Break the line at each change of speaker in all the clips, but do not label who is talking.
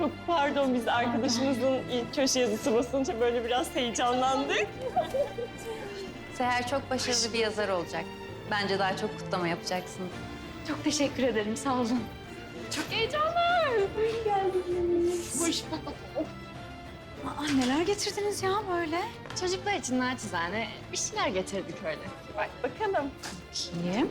Çok pardon, biz arkadaşımızın ilk köşe yazısı basınca böyle biraz heyecanlandık.
Seher çok başarılı bir yazar olacak. Bence daha çok kutlama yapacaksınız.
Çok teşekkür ederim, sağ olun.
Çok heyecanlı. Hoş geldiniz.
Hoş bulduk. Aa, neler getirdiniz ya böyle?
Çocuklar için naçizane bir şeyler getirdik öyle.
Bak bakalım.
Kim?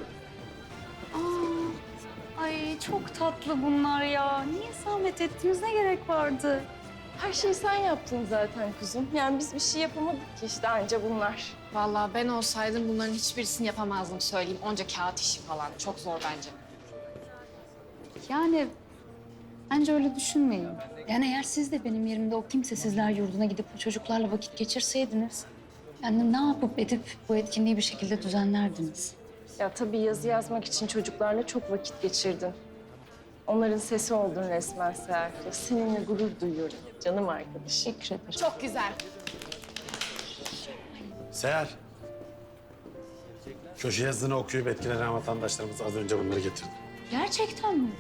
Aa, ay çok tatlı bunlar ya. Niye zahmet ettiniz? Ne gerek vardı?
Her şeyi sen yaptın zaten kuzum. Yani biz bir şey yapamadık ki işte, anca bunlar.
Vallahi ben olsaydım bunların hiçbirisini yapamazdım söyleyeyim. Onca kağıt işi falan. Çok zor bence.
Yani bence öyle düşünmeyin. Yani eğer siz de benim yerimde o kimsesizler yurduna gidip o çocuklarla vakit geçirseydiniz... yani ne yapıp edip bu etkinliği bir şekilde düzenlerdiniz.
Ya tabii yazı yazmak için çocuklarla çok vakit geçirdin. Onların sesi oldun resmen Seher. Ya seninle gurur duyuyorum canım arkadaşım.
Teşekkür ederim.
Çok güzel.
Seher. Köşe yazısını okuyup etkilenen vatandaşlarımız az önce bunları getirdi.
Gerçekten mi?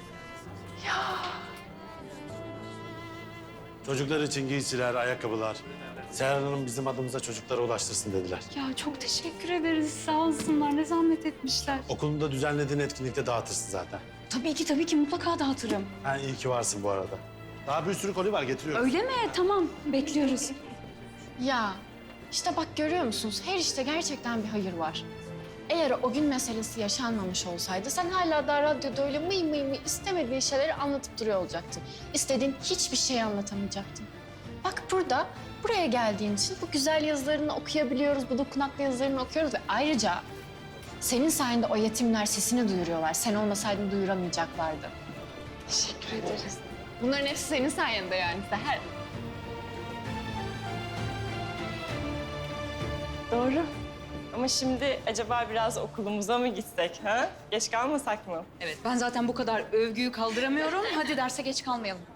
Çocuklar için giysiler, ayakkabılar. Seher Hanım bizim adımıza çocuklara ulaştırsın dediler.
Ya çok teşekkür ederiz. Sağ olsunlar. Ne zahmet etmişler.
Okulunda düzenlediğin etkinlikte dağıtırsın zaten.
Tabii ki mutlaka dağıtırım.
Ha, iyi ki varsın bu arada. Daha bir sürü koli var, getiriyorum.
Öyle mi? Tamam. Bekliyoruz.
Ya işte bak görüyor musunuz? Her işte gerçekten bir hayır var. Eğer o gün meselesi yaşanmamış olsaydı sen hala da radyoda öyle mıy mıy mıy istemediğin şeyleri anlatıp duruyor olacaktın. İstediğin hiçbir şeyi anlatamayacaktın. Bak burada, buraya geldiğin için bu güzel yazılarını okuyabiliyoruz, bu dokunaklı yazılarını okuyoruz ve ayrıca senin sayende o yetimler sesini duyuruyorlar. Sen olmasaydın duyuramayacaklardı.
Teşekkür ederiz.
Bunların hepsi senin sayende yani Seher.
Doğru. Ama şimdi acaba biraz okulumuza mı gitsek ha? Geç kalmasak mı?
Evet, ben zaten bu kadar övgüyü kaldıramıyorum. Hadi derse geç kalmayalım.